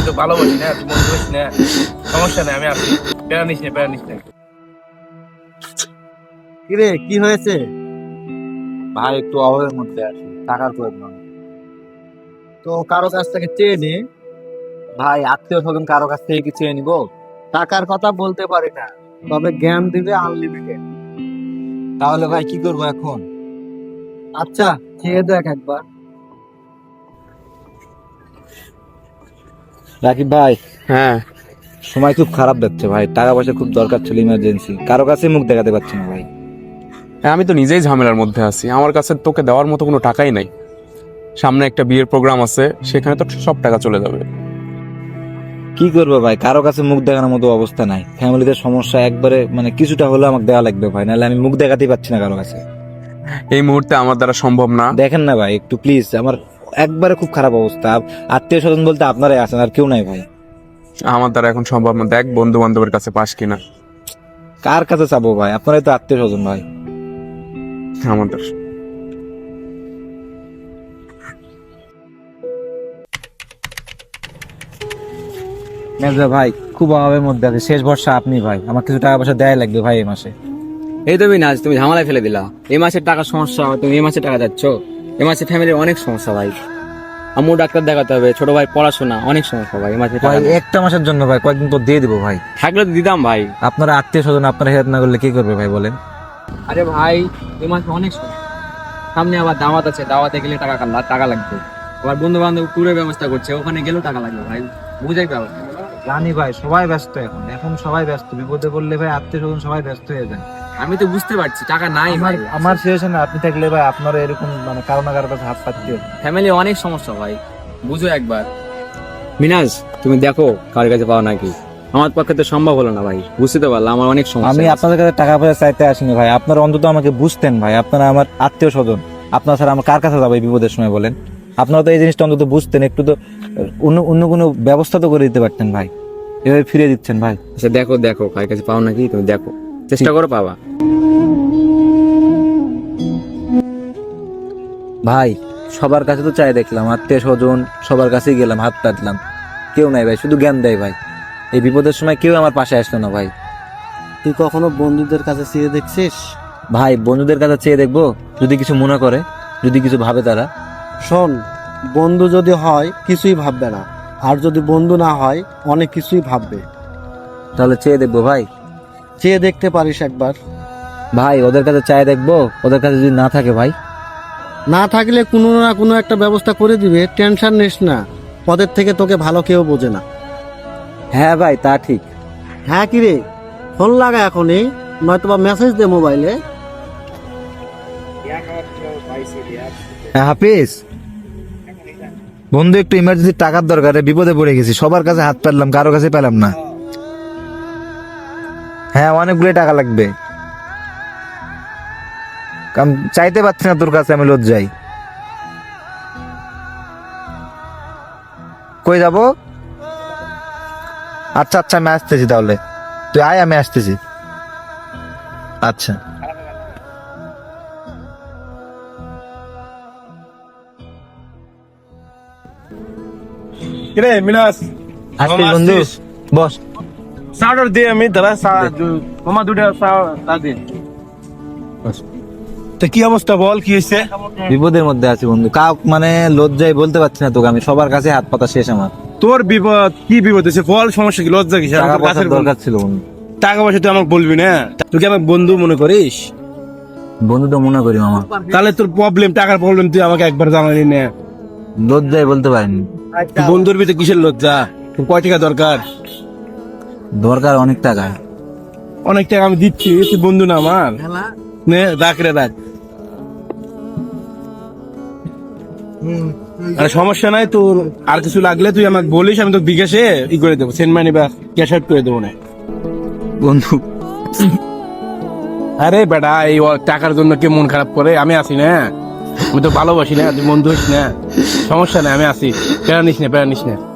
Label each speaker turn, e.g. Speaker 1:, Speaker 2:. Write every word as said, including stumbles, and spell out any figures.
Speaker 1: তো ভালোবাসি না, তুই বন্ধু হইস না, সমস্যা নেই, আমি আছি, প্যারা নিস না, প্যারা নিস না।
Speaker 2: কিরে কি হয়েছে?
Speaker 3: ভাই একটু অভাবের মধ্যে আছি, টাকার প্রয়োজন।
Speaker 2: তো কারো কাছ থেকে চেয়ে নে।
Speaker 3: ভাই আত্মীয় স্বজন কারো কাছ থেকে কি চেয়ে নিবো?
Speaker 2: টাকার কথা বলতে পারি না, তবে জ্ঞান দিবে আনলিমিটেড।
Speaker 3: তাহলে ভাই কি করবো এখন?
Speaker 2: আচ্ছা খেয়ে দেখ একবার।
Speaker 3: রাকিব ভাই,
Speaker 4: হ্যাঁ,
Speaker 3: সময় খুব খারাপ যাচ্ছে ভাই, টাকা পয়সা খুব দরকার ছিল, ইমার্জেন্সি, কারো কাছে মুখ দেখাতে পারছি না ভাই।
Speaker 4: আমি তো নিজেই ঝামেলার মধ্যে আছি। আমার কাছে তোকে দেওয়ার মতো কোনো টাকাই নাই। সামনে একটা বিয়ের প্রোগ্রাম আছে, সেখানে তো সব টাকা চলে যাবে।
Speaker 3: কি করবো ভাই, কারো কাছে মুখ দেখানোর মতো অবস্থা নাই, ফ্যামিলিতে সমস্যা, একবারে মানে কিছুটা হলেও আমাকে দেওয়া লাগবে ভাই, নাহলে আমি মুখ দেখাতেই পারছি না কারো কাছে।
Speaker 4: এই মুহূর্তে আমার দ্বারা সম্ভব না।
Speaker 3: দেখেন না ভাই একটু প্লিজ, আমার একবারে খুব খারাপ অবস্থা, আত্মীয় স্বজন বলতে আপনারাই আছেন, আর কেউ নাই ভাই।
Speaker 4: আমার দ্বারা এখন সম্ভব না। দেখ বন্ধু বান্ধবের কাছে পাস কিনা।
Speaker 3: কার কাছে চাবো ভাই, আপনারাই তো আত্মীয় স্বজন ভাই।
Speaker 4: আমাদের
Speaker 3: মেজবা ভাই খুব অভাবের মধ্যে আছে, শেষ ভরসা আপনি ভাই, আমার কিছু টাকা পয়সা দেয় লাগবে ভাই এই মাসে।
Speaker 5: এই তুমি নাজ, তুমি ঝামেলায় ফেলে দিলা। এই মাসের টাকা সমস্যা, তুমি এই মাসে টাকা যাচ্ছ। এই মাসে ফ্যামিলির অনেক সমস্যা ভাই। আম্মু ডাক্তার দেখাতে হবে, ছোট ভাই পড়াশোনা, অনেক সমস্যা ভাই। এই মাসে টাকা
Speaker 3: ভাই
Speaker 5: নেই।
Speaker 3: একটা মাসের জন্য ভাই, কয়েকদিন তো দিয়ে দিবো ভাই।
Speaker 5: থাকলে তো দিতাম ভাই।
Speaker 3: আপনারা আত্মীয় স্বজন, আপনারা হেল্প না করলে কি করবে ভাই বলেন?
Speaker 5: আরে ভাই, এই মাসে অনেক সমস্যা। সামনে আবার দাওয়াত আছে, দাওয়াতে গেলে টাকা কাল্লা টাকা লাগবে। আবার বন্ধু বান্ধব ট্যুরের ব্যবস্থা করছে, ওখানে গেলেও টাকা লাগবে ভাই। বুঝাই পাবো।
Speaker 3: জানি ভাই সবাই ব্যস্ত এখন, এখন সবাই ব্যস্ত, বিপদে পড়লে ভাই আত্মীয় স্বজন সবাই ব্যস্ত হয়ে যায়।
Speaker 5: আমি তো বুঝতে পারছি টাকা নাই
Speaker 3: আমার
Speaker 5: ভাই।
Speaker 3: আমার সিচুয়েশনে আপনি থাকলে ভাই আপনারও এরকম মানে কারো না কারো কাছে হাত পাততে হবে।
Speaker 5: ফ্যামিলি অনেক সমস্যা ভাই, বুঝো একবার। মিনাজ, তুমি দেখো কার কাছে পাও নাকি। আমার পক্ষে তো সম্ভব হলো না ভাই, বুঝতে তো পারলাম আমার অনেক সমস্যা।
Speaker 3: আমি আপনাদের কাছে টাকা পয়সা চাইতে আসিনি ভাই, আপনারা অন্তত আমাকে বুঝতেন ভাই, আপনারা আমার আত্মীয় স্বজন, আপনার ছাড়া আমার কার কাছে যাবো এই বিপদের সময় বলেন? আপনারা তো এই জিনিসটা অন্তত বুঝতেন, একটু তো অন্য অন্য কোনো ব্যবস্থা তো করে দিতে পারতেন ভাই, এভাবে ফিরে দিচ্ছেন ভাই।
Speaker 5: আচ্ছা দেখো দেখো কার কাছে পাও নাকি, তুমি দেখো, চেষ্টা করো পাবা।
Speaker 3: ভাই সবার কাছে তো চাই দেখলাম, আত্মীয় স্বজন সবার কাছেই গেলাম, হাত পাতলাম, কেউ নাই ভাই, শুধু জ্ঞান দেয় ভাই। এই বিপদের সময় কেউ আমার পাশে আসলো না ভাই।
Speaker 2: তুই কখনো বন্ধুদের কাছে চেয়ে দেখছিস?
Speaker 3: ভাই বন্ধুদের কাছে চেয়ে দেখবো, যদি কিছু মনে করে, যদি কিছু ভাবে তারা।
Speaker 2: শোন, বন্ধু যদি হয় কিছুই ভাববে না, আর যদি বন্ধু না হয় অনেক কিছুই ভাববে।
Speaker 3: তাহলে চেয়ে দেখবো ভাই।
Speaker 2: চেয়ে দেখতে পারিস একবার।
Speaker 3: ভাই ওদের কাছে চাই দেখবো, ওদের কাছে যদি না থাকে ভাই?
Speaker 2: না থাকলে কোনো না কোনো একটা ব্যবস্থা করে দিবে, টেনশন নিস না। পদের থেকে তোকে ভালো কেউ বোঝে না।
Speaker 3: হ্যাঁ ভাই তা ঠিক।
Speaker 2: হ্যাঁ কি রে, ফোন লাগা এখনই, নয়তো বা মেসেজ দে মোবাইলে।
Speaker 3: হ্যাঁ হাফিজ, বন্ধু একটু ইমার্জেন্সি টাকার দরকারে বিপদে পড়ে গেছি, সবার কাছে হাত পাতলাম, কারো কাছে পেলাম না। হ্যাঁ অনেকগুলো টাকা লাগবে, কারণ চাইতে পারছি না তোর কাছে, আমি লজ্জাই। কই যাব? আচ্ছা আচ্ছা আমি আসতেছি, তাহলে তুই আয়, আমি আসতেছি। আচ্ছা
Speaker 1: কিরে মিনাস,
Speaker 3: আসছি
Speaker 1: মামা
Speaker 3: বন্ধু,
Speaker 1: আসছিস?
Speaker 3: বস।
Speaker 1: সাউন্ড দিয়ে আমি দাদা মামা দুটা সাউন্ড দিন। তো কি অবস্থা বল, কি হয়েছে?
Speaker 3: বিপদের মধ্যে আছি বন্ধু, কাউ মানে লজ্জায় বলতে পারছি না তোকে, আমি সবার কাছে হাত পাতা শেষ আমার।
Speaker 1: তোর বিপদ কি বিপদ হয়েছে বল, সমস্যা কি, লজ্জা কি?
Speaker 3: টাকা পয়সার দরকার ছিল বন্ধু।
Speaker 1: টাকা পয়সা তুই আমাকে বলবি না? তুই কি আমাকে বন্ধু মনে করিস?
Speaker 3: বন্ধু তো মনে করি মামা,
Speaker 1: তাহলে তোর প্রবলেম, টাকার প্রবলেম, তুই আমাকে একবার জানালি না।
Speaker 3: লজ্জায় বলতে পারিনি।
Speaker 1: তুই বন্ধুর ভিতরে কিসের লজ্জা? তোর কয় টাকা দরকার?
Speaker 3: দরকার অনেক টাকা।
Speaker 1: অনেক টাকা আমি দিচ্ছি, তুই বন্ধু না আমার। নে রাখ রে রাখ। আরে সমস্যা নাই তোর, আর কিছু লাগলে তুই আমাকে বলিস, আমি তো বিকাশে ই করে দেবো, সেন্ড মানি বা ক্যাশ আউট করে দেবো না।
Speaker 3: বন্ধু
Speaker 1: আরে বেটা, এই ও টাকার জন্য কে মন খারাপ করে? আমি আছি না, আমি তো ভালোবাসি না, তুই বন্ধু হইস না, সমস্যা নেই, আমি আছি, প্যারা নিস না, প্যারা নিস না।